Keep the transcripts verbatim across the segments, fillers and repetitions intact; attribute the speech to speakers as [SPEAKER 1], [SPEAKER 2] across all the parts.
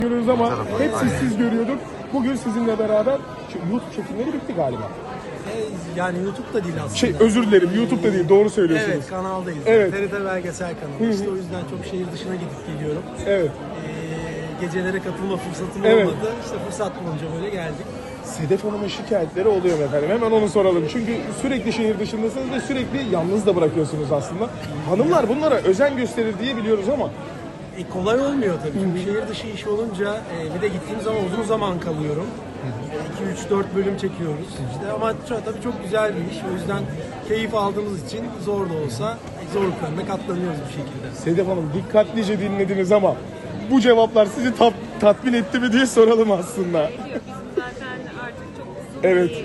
[SPEAKER 1] görüyoruz ama hep sessiz görüyorduk. Bugün sizinle beraber YouTube çekimleri bitti galiba.
[SPEAKER 2] E, yani YouTube'da değil aslında.
[SPEAKER 1] Şey özür dilerim, YouTube'da değil, doğru söylüyorsunuz.
[SPEAKER 2] Evet, kanaldayız.
[SPEAKER 1] Evet.
[SPEAKER 2] T R T Belgesel kanalı. İşte o yüzden çok şehir dışına gidip geliyorum.
[SPEAKER 1] Evet.
[SPEAKER 2] Ee, gecelere katılma fırsatım
[SPEAKER 1] Evet.
[SPEAKER 2] olmadı. İşte fırsat bulunca böyle geldik.
[SPEAKER 1] Sedef Hanım'ın şikayetleri oluyor mu efendim? Hemen onu soralım. Çünkü sürekli şehir dışındasınız ve sürekli yalnız da bırakıyorsunuz aslında. Hanımlar bunlara özen gösterir diye biliyoruz ama.
[SPEAKER 2] E, kolay olmuyor tabii. Çünkü şehir dışı iş olunca e, bir de gittiğim zaman uzun zaman kalıyorum. iki üç dört bölüm çekiyoruz. İşte ama şu- tabii çok güzel bir iş. O yüzden keyif aldığımız için zor da olsa zorluklarına katlanıyoruz bir şekilde.
[SPEAKER 1] Sedef Hanım dikkatlice dinlediniz ama bu cevaplar sizi tat- tatmin etti mi diye soralım aslında.
[SPEAKER 3] Ediyor. Bizim zaten artık çok uzun
[SPEAKER 1] Evet.
[SPEAKER 3] bir, e,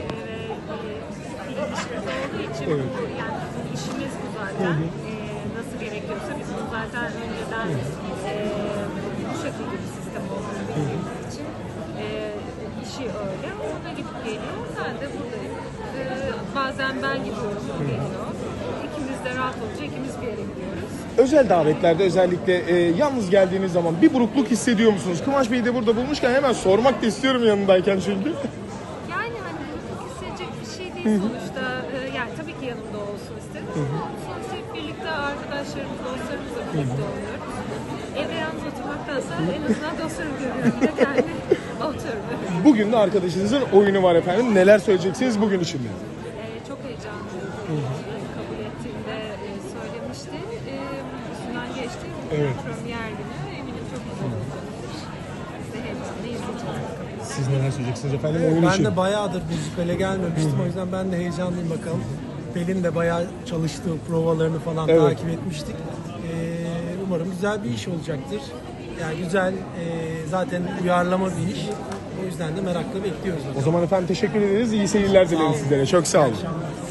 [SPEAKER 3] bir ilişkimiz olduğu için
[SPEAKER 1] Evet.
[SPEAKER 3] bu, yani bizim işimiz bu zaten. E, nasıl gerekiyorsa biz bunu zaten önceden e, bu şekilde bir sistem olduğunu bildiğimiz için e, işi öyle. O da gidip geliyor. Ben de buradayım. E, bazen ben gidiyorum, o geliyor. İkimiz de rahat olunca ikimiz bir yere gidiyoruz.
[SPEAKER 1] Özel davetlerde özellikle e, yalnız geldiğiniz zaman bir burukluk hissediyor musunuz? Kıvanç Bey'i de burada bulmuşken hemen sormak da istiyorum yanındayken çünkü.
[SPEAKER 3] Yani hani mutluluk hissedecek bir şey değil sonuçta. Ee, yani tabii ki yanımda olsun isterim ama sonuçta hep birlikte arkadaşlarımız, dostlarımızla birlikte oluyoruz. Evde yalnız oturmaktansa en azından dostlarımı görüyorum da yani oturuyorum.
[SPEAKER 1] Bugün de arkadaşınızın oyunu var efendim. Neler söyleyeceksiniz bugün için de?
[SPEAKER 3] Ee, çok heyecanlıyım. Kabul ettiğinde e, söylemişti. Ee, üstünden geçti.
[SPEAKER 1] Evet.
[SPEAKER 3] Premier günü eminim çok güzel olacaktır. Biz de heyecanla izleyeceğiz bakalım.
[SPEAKER 1] Siz neler söyleyeceksiniz efendim oyun
[SPEAKER 2] Ben
[SPEAKER 1] için?
[SPEAKER 2] de bayağıdır müzikale gelmemiştim. O yüzden ben de heyecanlıyım bakalım. Pelin de bayağı çalıştığı provalarını falan
[SPEAKER 1] Evet.
[SPEAKER 2] takip etmiştik. Ee, umarım güzel bir iş olacaktır. Yani güzel, e, zaten uyarlama bir iş. O yüzden de merakla bekliyoruz.
[SPEAKER 1] O zaman efendim teşekkür ederiz. İyi seyirler dilerim
[SPEAKER 2] olun.
[SPEAKER 1] sizlere. Çok sağ olun.
[SPEAKER 2] akşamlar.